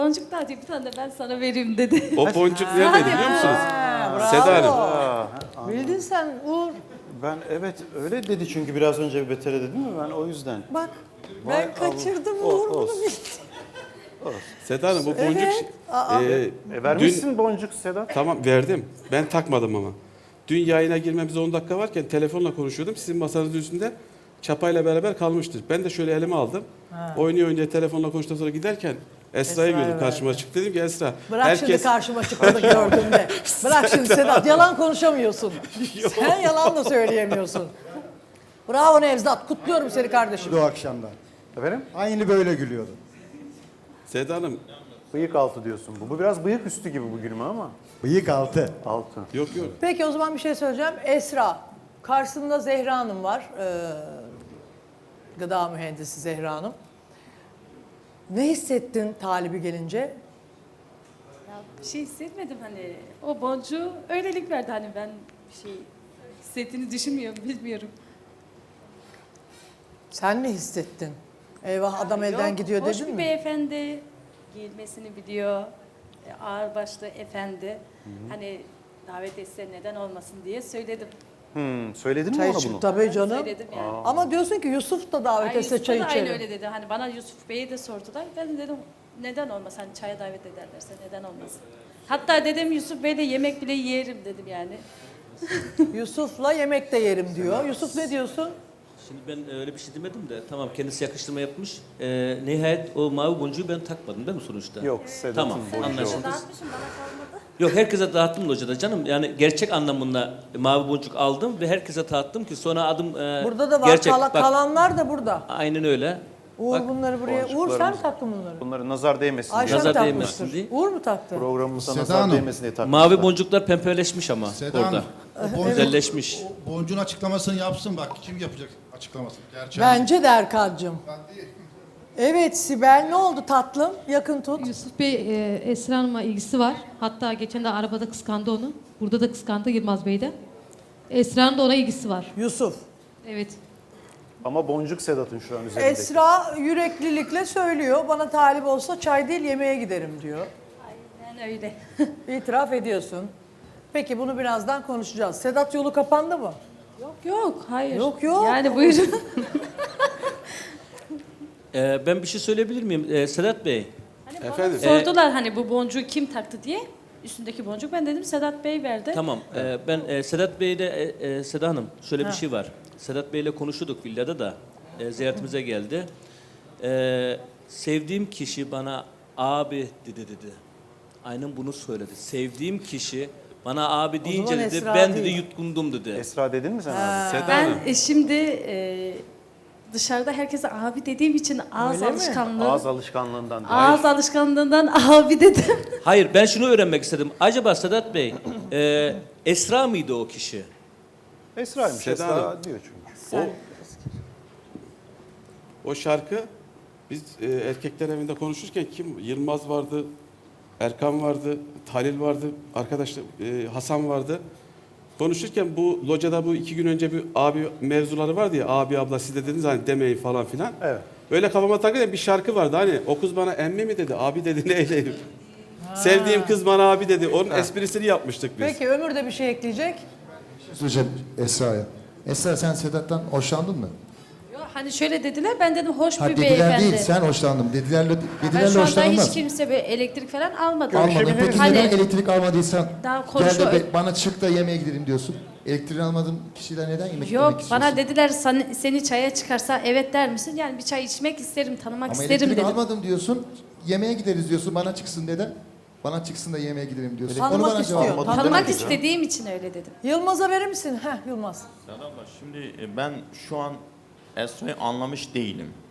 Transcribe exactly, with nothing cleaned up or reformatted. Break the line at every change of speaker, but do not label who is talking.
Boncuk da bir tane de ben sana vereyim dedi.
O boncuk neredeydi biliyor musunuz?
Ha,
Seda Hanım.
bravo. Bildin sen Uğur.
Ben evet öyle dedi çünkü biraz önce Beter'e dedim mi ben o yüzden.
Bak
Vay
ben kaçırdım
Allah.
Uğur
O-
bunu
olsun.
bildi.
Seda Hanım bu boncuk...
Evet. Aa.
e,
E, vermişsin
dün-
boncuk Sedat.
Tamam verdim. Ben takmadım ama. Dün yayına girmemize on dakika varken telefonla konuşuyordum. Sizin masanızın üstünde çapayla beraber kalmıştır. Ben de şöyle elime aldım. Oynuyor oynuyor telefonla konuştuktan sonra giderken Esra'yı
Esra'yı
gördüm karşıma çıktı. Dedim ki Esra
Bırak şimdi karşıma çıkmadı gördüğümde. Bırak şimdi Sedat yalan konuşamıyorsun. Sen yalan da söyleyemiyorsun. Bravo Nevzat kutluyorum seni kardeşim.
O akşamdan.
Efendim?
Aynı böyle gülüyordu.
Seda Hanım
Bıyık altı diyorsun bu. Bu biraz bıyık üstü gibi bu gülme ama.
Bıyık altı.
Altı.
yok yok.
Peki o zaman bir şey söyleyeceğim. Esra, karşısında Zehra Hanım var. Ee, gıda mühendisi Zehra Hanım. Ne hissettin talibi gelince?
Ya bir şey hissetmedim hani. O boncuğu öylelik verdi hani ben bir şey hissettiğini düşünmüyorum, bilmiyorum.
Sen ne hissettin? Eyvah adam elden
Yok,
gidiyor
hoş
dedin
bir
mi?
beyefendi, giyilmesini biliyor, e, ağır başlı efendi. Hani davet etse neden olmasın diye söyledim.
Hmm, söyledin mi
Çay
ona
içip
bunu?
tabii canım.
Söyledim yani.
Ama diyorsun ki Yusuf da davet
Ay,
etse
Yusuf
çay
da aynı
içelim.
öyle dedi. Hani bana Yusuf Bey'i de sordular. Ben dedim neden olmaz? Hani çaya davet ederlerse neden olmaz? Hatta dedim Yusuf Bey'le yemek bile yerim dedim yani.
Yusuf'la yemek de yerim diyor. Yusuf ne diyorsun?
Şimdi ben öyle bir şey demedim de tamam kendisi yakıştırma yapmış. Ee, nihayet o mavi boncuğu ben takmadım değil mi sonuçta?
Yok Sedat'ın
Tamam
boncuğu.
anlaşıldı.
Dağıtmışım bana kalmadı.
Yok herkese dağıttım locada canım. Yani gerçek anlamında mavi boncuk aldım ve herkese dağıttım ki sonra adım e,
Burada da var.
gerçek.
Kala-
Bak,
kalanlar da burada.
aynen öyle.
Uğur
Bak,
bunları buraya. Uğur sen mi
boncuklarımız-
taktın bunları?
Bunları nazar değmesin
Ayşe
diye.
mi
Nazar
takmıştır?
değmesin diye.
Uğur mu taktı?
Programımıza
Seda
nazar
Hanım.
değmesin diye takmışlar.
Mavi boncuklar pembeleşmiş ama
Seda
orada.
Hanım, o boncuk,
Güzelleşmiş.
o boncuğun açıklamasını yapsın bak. Kim yapacak açıklamasını? Gerçi
Bence de Erkan'cığım. Evet Sibel ne oldu tatlım? Yakın tut.
Yusuf Bey e, Esra Hanım'a ilgisi var. Hatta geçen de arabada kıskandı onu. Burada da kıskandı Yılmaz Bey de. Esra'nın da ona ilgisi var.
Yusuf.
Evet.
Ama boncuk Sedat'ın şu an üzerindeki.
Esra yüreklilikle söylüyor. Bana talip olsa çay değil yemeğe giderim diyor.
Aynen öyle.
İtiraf ediyorsun. Peki bunu birazdan konuşacağız. Sedat yolu kapandı mı?
Yok yok hayır.
Yok, yok.
Yani buyurun.
Ee, ben bir şey söyleyebilir miyim? Ee, Sedat Bey.
Hani bana
Efendim?
sordular hani bu boncuğu kim taktı diye. Üstündeki boncuk ben dedim Sedat Bey verdi.
Tamam. e, ben e, Sedat Bey'le e, e, Seda Hanım şöyle bir şey var. Sedat Bey'le konuşuyorduk villada da e, ziyaretimize geldi. E, sevdiğim kişi bana abi dedi dedi. Aynen bunu söyledi. Sevdiğim kişi bana abi deyince
zaman
dedi
Esra
ben dedi
değil.
yutkundum dedi.
Esra dedin mi sen abi?
Seda
Ben
Hanım.
e, şimdi e, dışarıda herkese abi dediğim için ağız
Öyle mi?
alışkanlığı.
Ağız alışkanlığından. değil.
Ağız alışkanlığından abi dedim.
Hayır ben şunu öğrenmek istedim. Acaba Sedat Bey e, Esra mıydı o kişi?
Esra'ymış.
Seda
Esra
Hanım.
diyor çünkü.
O, o şarkı biz e, erkekler evinde konuşurken kim? Yılmaz vardı, Erkan vardı, Halil vardı, arkadaşlar e, Hasan vardı. Konuşurken bu locada bu iki gün önce bir abi mevzuları vardı ya, abi abla siz de dediniz hani demeyin falan filan.
Evet.
Öyle kafama takılıyor bir şarkı vardı hani o kız bana emmi mi dedi, abi dedi neyleyim. Sevdiğim kız bana abi dedi. Onun esprisini yapmıştık biz.
Peki Ömür de bir şey ekleyecek.
söyleyeceğim Esra'ya. Esra sen Sedat'tan hoşlandın mı?
Yok, hani şöyle dediler ben dedim hoş
Ha,
bir
dediler
beyefendi.
değil sen hoşlandın. Dedilerle,
Ben
dedilerle
şu anda
hoşlanılmaz.
hiç kimse böyle elektrik falan almadım.
Almadın. Peki
Hani
neden elektrik almadıysan
daha
gel
konuşma-
de be- bana çık da yemeğe gidelim diyorsun. Elektriğini almadığın kişiyle neden yemek yemek
Yok
istiyorsun?
bana dediler seni, seni çaya çıkarsa evet der misin? Yani bir çay içmek isterim, tanımak
Ama
isterim
elektrik
dedim.
almadım diyorsun. Yemeğe gideriz diyorsun. Bana çıksın neden? Bana çıksın da yemeğe gidelim diyorsun.
Tanımak
Onu bana
istiyor.
cevap ver.
Tanımak
Tanımak
demedik ya.
istediğim için öyle dedim.
Yılmaz'a verir misin? Heh Yılmaz.
Serap abla, şimdi e, ben şu an Esra'yı anlamış değilim.